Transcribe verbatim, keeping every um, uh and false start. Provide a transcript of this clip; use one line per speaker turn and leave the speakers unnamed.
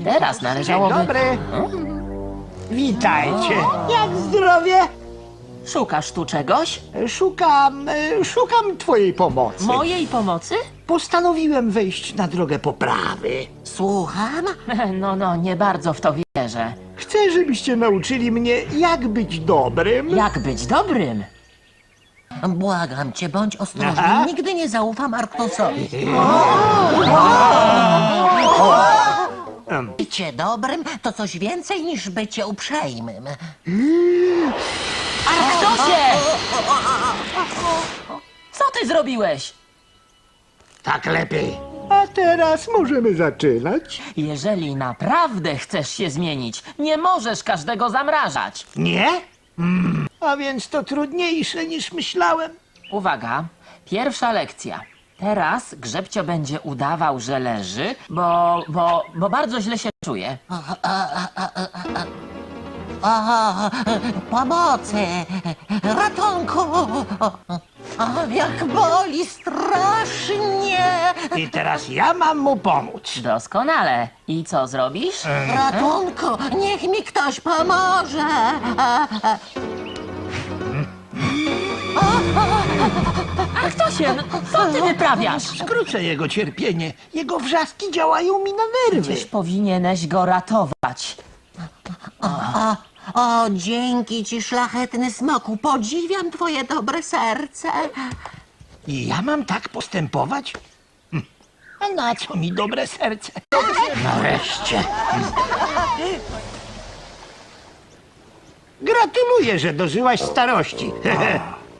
Teraz
Dzień
należałoby...
dobry. Witajcie. Jak zdrowie?
Szukasz tu czegoś?
Szukam, e, szukam twojej pomocy.
Mojej pomocy?
Postanowiłem wejść na drogę poprawy.
Słucham?
No, no, nie bardzo w to wierzę.
Chcę, żebyście nauczyli mnie, jak być dobrym.
Jak być dobrym?
Błagam cię, bądź ostrożny.
Aha.
Nigdy nie zaufam Arktosowi. Bycie dobrym to coś więcej niż bycie uprzejmym.
Arktosie! Co ty zrobiłeś?
Tak lepiej. A teraz możemy zaczynać.
Jeżeli naprawdę chcesz się zmienić, nie możesz każdego zamrażać.
Nie? Mm. A więc to trudniejsze niż myślałem.
Uwaga, pierwsza lekcja. Teraz Grzebcio będzie udawał, że leży, bo, bo, bo bardzo źle się czuje.
O, pomocy! Ratunku! O, jak boli strasznie!
I teraz ja mam mu pomóc.
Doskonale. I co zrobisz?
Ratunku! Niech mi ktoś pomoże!
Arktosie, no, co ty wyprawiasz?
Skrócę jego cierpienie. Jego wrzaski działają mi na nerwy.
Przecież powinieneś go ratować.
O, dzięki ci, szlachetny smoku! Podziwiam twoje dobre serce!
I ja mam tak postępować? Hm. A na co mi dobre serce? Nareszcie. Gratuluję, że dożyłaś starości.